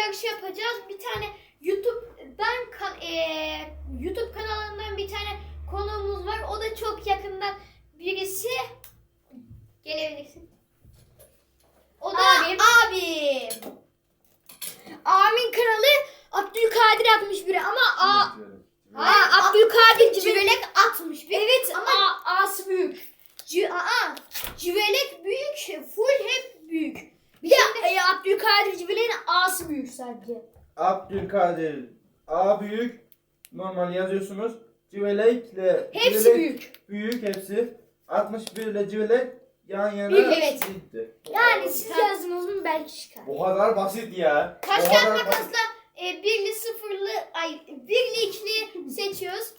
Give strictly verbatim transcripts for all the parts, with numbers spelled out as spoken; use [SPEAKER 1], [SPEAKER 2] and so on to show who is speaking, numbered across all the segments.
[SPEAKER 1] yarışı yapacağız. Bir tane YouTube'dan kan e, YouTube kanalından bir tane konuğumuz var. O da çok yakından birisi. Gelebilirsin. O da abim. abim. Abimin kanalı Abdülkadir altmış bir ama a Aa, Abdülkadir Civelek altmış bir. Evet ama A'sı büyük. C Aa, Civelek büyük, full hep büyük. Bir de e, Abdülkadir Civelek'in A'sı büyük sadece.
[SPEAKER 2] Abdülkadir A büyük. Normal yazıyorsunuz. Civelek'le
[SPEAKER 1] Hepsi
[SPEAKER 2] Civelek
[SPEAKER 1] büyük.
[SPEAKER 2] Büyük hepsi. altmış bir ile Civelek yan yana
[SPEAKER 1] Bir, evet.
[SPEAKER 2] gitti.
[SPEAKER 1] Yani siz yazdınız mı belki çıkar.
[SPEAKER 2] Bu kadar basit ya.
[SPEAKER 1] Taş
[SPEAKER 2] Bu
[SPEAKER 1] kağıt
[SPEAKER 2] kadar
[SPEAKER 1] makasla
[SPEAKER 2] basit.
[SPEAKER 1] e, birli sıfırlı ay birli ikili seçiyoruz.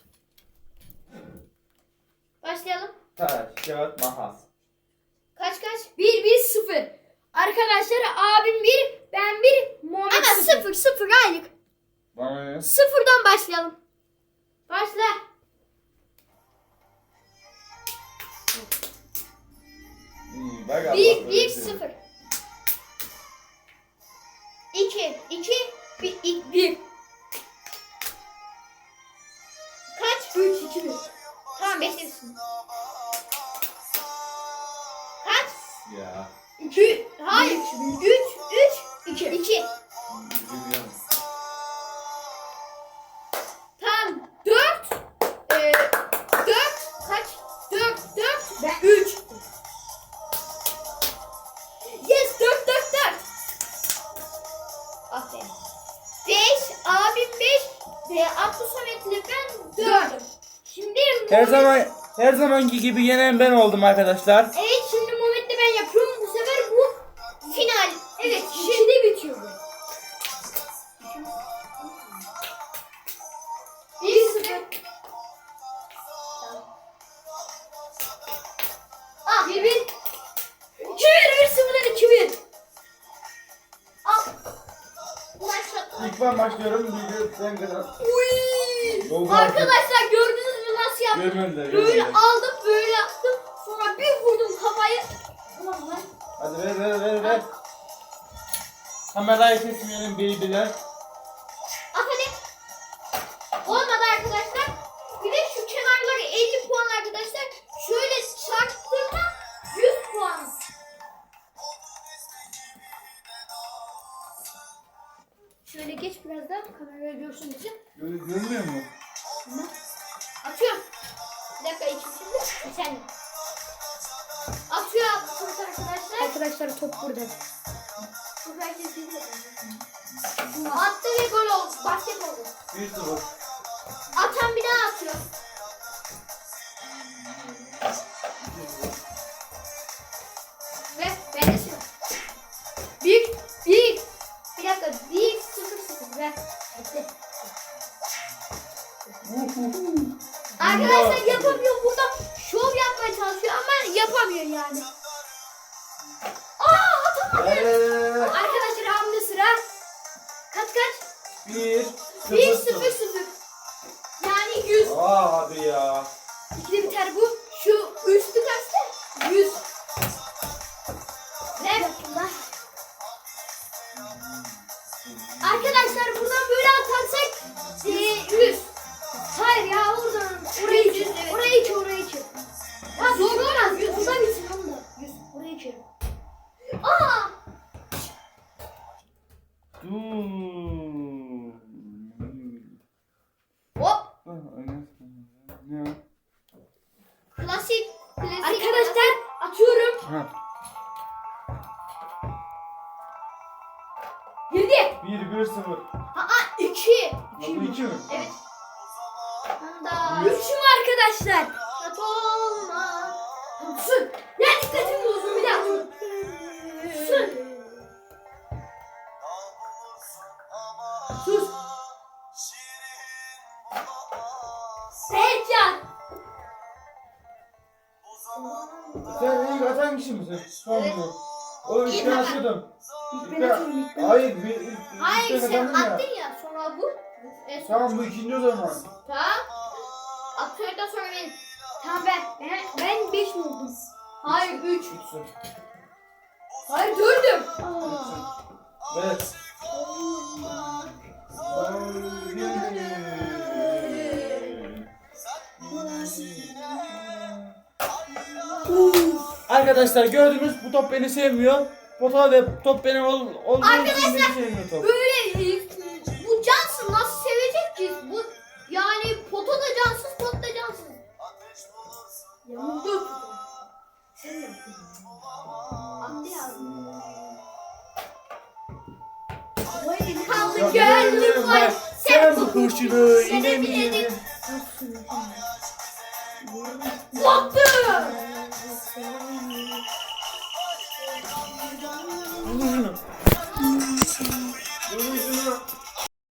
[SPEAKER 1] Başlayalım.
[SPEAKER 2] Taş, kağıt, makas.
[SPEAKER 1] Kaç kaç? bir bir sıfır. Arkadaşlar abim bir, ben bir, Muhammed Ama sıfır sıfır aylık.
[SPEAKER 2] Bana ne?
[SPEAKER 1] Sıfırdan başlayalım. Başla.
[SPEAKER 2] İyi, bak Allah
[SPEAKER 1] bir
[SPEAKER 2] böyle
[SPEAKER 1] bir
[SPEAKER 2] şey.
[SPEAKER 1] sıfır. iki iki bir bir. Kaç? üç iki bir. Tamam beklesin. Kaç?
[SPEAKER 2] Ya.
[SPEAKER 1] iki. Hayır. üç üç iki. iki.
[SPEAKER 2] Üzülüyorum.
[SPEAKER 1] Tamam. dört. Ee, dört. Kaç? dört dört ve üç. Yes, dört dört dört. Aferin. beş. Abim beş. Ve Abdü Samet'le ben dördüm. Şimdi
[SPEAKER 2] Her
[SPEAKER 1] Muhammed-
[SPEAKER 2] zaman her zamanki gibi yenen ben oldum arkadaşlar.
[SPEAKER 1] Evet, şimdi Muhammed'le ben yapıyorum. Bu sefer bu final. Evet, şimdi bitiyor bu. bir sıfır. Ah, bir bir. iki bir, bir sıfırdan iki bir. Al. Başla.
[SPEAKER 2] İlk ben başlıyorum. Bir sen kadar.
[SPEAKER 1] Uy.
[SPEAKER 2] Oldu
[SPEAKER 1] Arkadaşlar gördünüz mü nasıl yaptım?
[SPEAKER 2] Görmediler.
[SPEAKER 1] Böyle
[SPEAKER 2] görmediler.
[SPEAKER 1] aldım, böyle yaptım. Sonra bir vurdum kafayı. Ulan lan.
[SPEAKER 2] Hadi ver ver ver ver. Kamerayı kesmeyelim beybiler.
[SPEAKER 1] Aferin. Olmadı arkadaşlar. Bir de şu kenarları elli puan arkadaşlar. Şöyle çarptığımda yüz puan. Şöyle geç biraz daha kameraya görsün için.
[SPEAKER 2] Gör, görmüyor mu?
[SPEAKER 1] Atıyorum. Bir dakika içim şimdi. Sen. Atıyor atıyoruz arkadaşlar.
[SPEAKER 3] Arkadaşlar top burada.
[SPEAKER 1] Bu herkes bilir. Attı ve gol oldu. Basket oldu.
[SPEAKER 2] Bir sıfır.
[SPEAKER 1] Atan bir daha atıyor. Ve ben de sıra. Bir, bir. Bir dakika. Bir, sıfır, sıfır. Ver. Bekle. Arkadaşlar yapamıyor. Burada şov yapmaya çalışıyor ama yapamıyor yani. Aa, atamadı.
[SPEAKER 2] Eee,
[SPEAKER 1] Arkadaşlar hamle sıra. Kaç kaç?
[SPEAKER 2] bir
[SPEAKER 1] Bir,
[SPEAKER 2] sıfır
[SPEAKER 1] sıfır, sıfır. Yani yüz.
[SPEAKER 2] Aa abi ya.
[SPEAKER 1] İkide biter bu. Şu üstü kaçtı? yüz. Ver. Arkadaşlar buradan böyle atarsak e, yüz. Hayır ya oradan orayı yüz, evet. Orayı içi orayı içi. Ya zor olmaz. yüz. Buradan içi onu da. yüz. Orayı içi. Aa!
[SPEAKER 2] Dur.
[SPEAKER 1] Hop.
[SPEAKER 2] Ne?
[SPEAKER 1] Klasik. Klasik.
[SPEAKER 3] Arkadaşlar atıyorum.
[SPEAKER 2] Ha.
[SPEAKER 1] Girdi.
[SPEAKER 2] Bir bir sıfır.
[SPEAKER 1] Aa iki.
[SPEAKER 2] Bu iki mi?
[SPEAKER 1] Evet. Anda.
[SPEAKER 3] Üçüm arkadaşlar.
[SPEAKER 1] Kat olma.
[SPEAKER 3] Sus. Ya dikkatimi bozdun bir daha. Sus. Sus. Seyircan.
[SPEAKER 2] Sen ilk atan kişi misin? Son
[SPEAKER 1] Evet.
[SPEAKER 2] mu? O ilk
[SPEAKER 1] İlk
[SPEAKER 2] ben
[SPEAKER 1] atan.
[SPEAKER 2] atıyordum.
[SPEAKER 3] İlk
[SPEAKER 2] İlk
[SPEAKER 3] ben
[SPEAKER 2] ben-
[SPEAKER 3] atıyorum, ilk ben.
[SPEAKER 2] Hayır bir ilk, ilk
[SPEAKER 1] Hayır
[SPEAKER 2] ben
[SPEAKER 1] sen
[SPEAKER 2] kazandım ya.
[SPEAKER 1] attın ya sonra bu. E,
[SPEAKER 2] Tamam bu ikinci o zaman.
[SPEAKER 1] Tamam. Atıyordan sonra benim.
[SPEAKER 3] Tamam ben. Ben, ben beş mi oldum?
[SPEAKER 1] Hayır üç.
[SPEAKER 2] Üçsün.
[SPEAKER 1] Hayır dördüm.
[SPEAKER 2] Üçsün. Evet. Arkadaşlar gördünüz bu top beni sevmiyor. Pota ve top benim ol, olduğu için beni sevmiyor top.
[SPEAKER 1] Böyle e, bu cansız nasıl sevecek ki? Bu yani pota da cansız, top da cansız.
[SPEAKER 3] Yamuldu. Sen yaptın.
[SPEAKER 1] Attı yazdım.
[SPEAKER 3] Bu elini
[SPEAKER 1] Kaldı gönlüm var.
[SPEAKER 2] Sen bu kurşunu yine mi
[SPEAKER 1] Sevemedim.
[SPEAKER 2] yedin?
[SPEAKER 3] kalsın.